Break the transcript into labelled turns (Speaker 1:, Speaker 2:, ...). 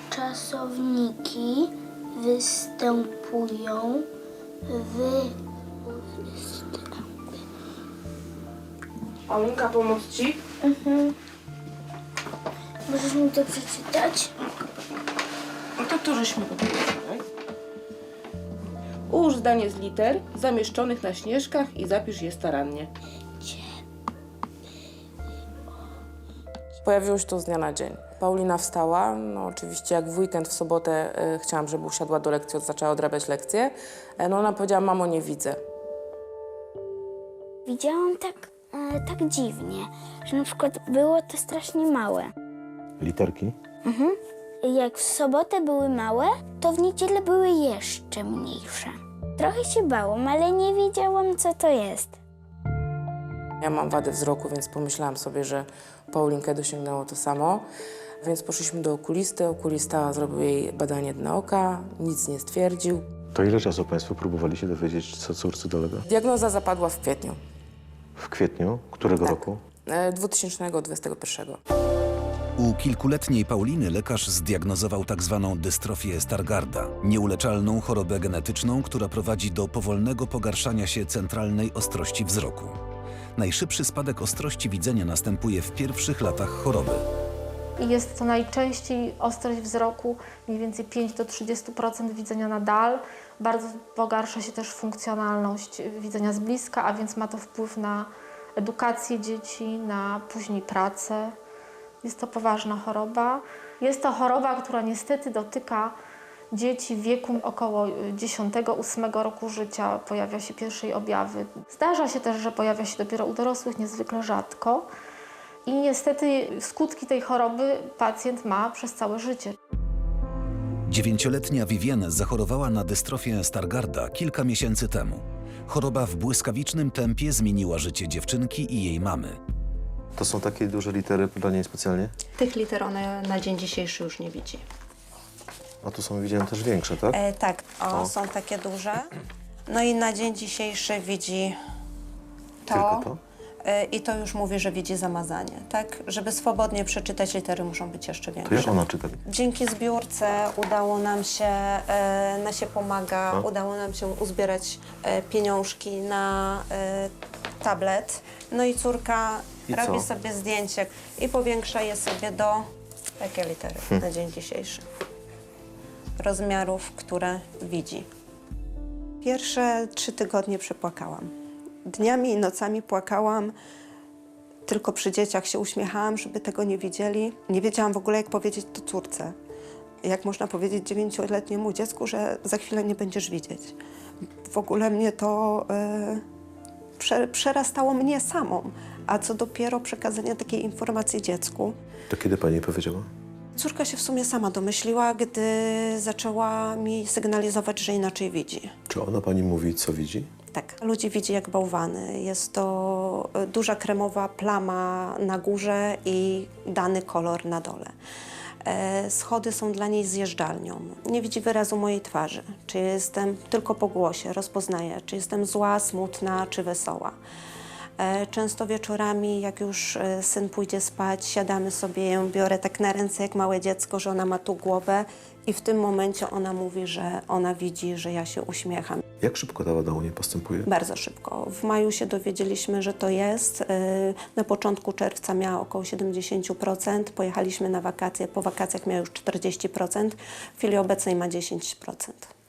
Speaker 1: czasowniki występują
Speaker 2: Paulinka, pomóc ci?
Speaker 1: Możesz mi to przeczytać?
Speaker 2: No to tu żeśmy powiedzieli. Ułóż zdanie z liter zamieszczonych na śnieżkach i zapisz je starannie.
Speaker 3: Pojawiło się to z dnia na dzień. Paulina wstała, no oczywiście jak w weekend, w sobotę chciałam, żeby usiadła do lekcji, zaczęła odrabiać lekcje. No ona powiedziała, mamo, nie widzę.
Speaker 1: Widziałam tak dziwnie, że na przykład było to strasznie małe.
Speaker 4: Literki?
Speaker 1: Jak w sobotę były małe, to w niedzielę były jeszcze mniejsze. Trochę się bałam, ale nie wiedziałam, co to jest.
Speaker 3: Ja mam wadę wzroku, więc pomyślałam sobie, że Paulinkę dosięgnęło to samo. Więc poszliśmy do okulisty. Okulista zrobił jej badanie dna oka, nic nie stwierdził.
Speaker 4: To ile czasu Państwo próbowali się dowiedzieć, co córce dolega?
Speaker 3: Diagnoza zapadła w kwietniu
Speaker 4: W kwietniu? Którego
Speaker 3: Tak.
Speaker 4: roku?
Speaker 3: 2021.
Speaker 5: U kilkuletniej Pauliny lekarz zdiagnozował tzw. dystrofię Stargarda, nieuleczalną chorobę genetyczną, która prowadzi do powolnego pogarszania się centralnej ostrości wzroku. Najszybszy spadek ostrości widzenia następuje w pierwszych latach choroby.
Speaker 6: Jest to najczęściej ostrość wzroku, mniej więcej 5 do 30% widzenia na dal. Bardzo pogarsza się też funkcjonalność widzenia z bliska, a więc ma to wpływ na edukację dzieci, na później pracę. Jest to poważna choroba. Jest to choroba, która niestety dotyka dzieci w wieku około 10-8 roku życia. Pojawia się pierwsze jej objawy. Zdarza się też, że pojawia się dopiero u dorosłych, niezwykle rzadko. I niestety skutki tej choroby pacjent ma przez całe życie.
Speaker 5: 9-letnia Vivienne zachorowała na dystrofię Stargarda kilka miesięcy temu. Choroba w błyskawicznym tempie zmieniła życie dziewczynki i jej mamy.
Speaker 4: To są takie duże litery dla niej specjalnie?
Speaker 7: Tych liter ona na dzień dzisiejszy już nie widzi.
Speaker 4: A tu są, widziałem, też większe, tak?
Speaker 8: Tak,
Speaker 4: O.
Speaker 8: są takie duże. No i na dzień dzisiejszy widzi
Speaker 4: Tylko to?
Speaker 8: I to już mówi, że widzi zamazanie, tak? Żeby swobodnie przeczytać litery, muszą być jeszcze
Speaker 4: To jak
Speaker 8: większe.
Speaker 4: ona czyta?
Speaker 8: Dzięki zbiórce udało nam się, Nasie pomaga,
Speaker 4: No.
Speaker 8: udało nam się uzbierać pieniążki na tablet. No i córka
Speaker 4: I
Speaker 8: robi
Speaker 4: co?
Speaker 8: sobie zdjęcie i powiększa je sobie do takie litery na dzień dzisiejszy. Rozmiarów, które widzi. Pierwsze 3 tygodnie przepłakałam. Dniami i nocami płakałam, tylko przy dzieciach się uśmiechałam, żeby tego nie widzieli. Nie wiedziałam w ogóle, jak powiedzieć to córce. Jak można powiedzieć 9-letniemu dziecku, że za chwilę nie będziesz widzieć. W ogóle mnie to przerastało mnie samą, a co dopiero przekazanie takiej informacji dziecku.
Speaker 4: To kiedy pani jej powiedziała?
Speaker 8: Córka się w sumie sama domyśliła, gdy zaczęła mi sygnalizować, że inaczej widzi.
Speaker 4: Czy ona pani mówi, co widzi?
Speaker 8: Tak, ludzi widzi jak bałwany. Jest to duża kremowa plama na górze i dany kolor na dole. Schody są dla niej zjeżdżalnią. Nie widzi wyrazu mojej twarzy. Czy jestem tylko po głosie, rozpoznaję, czy jestem zła, smutna, czy wesoła. Często wieczorami, jak już syn pójdzie spać, siadamy sobie, ją biorę tak na ręce jak małe dziecko, że ona ma tu głowę i w tym momencie ona mówi, że ona widzi, że ja się uśmiecham.
Speaker 4: Jak szybko ta wada u niej postępuje?
Speaker 8: Bardzo szybko. W maju się dowiedzieliśmy, że to jest. Na początku czerwca miała około 70%. Pojechaliśmy na wakacje. Po wakacjach miała już 40%. W chwili obecnej ma 10%.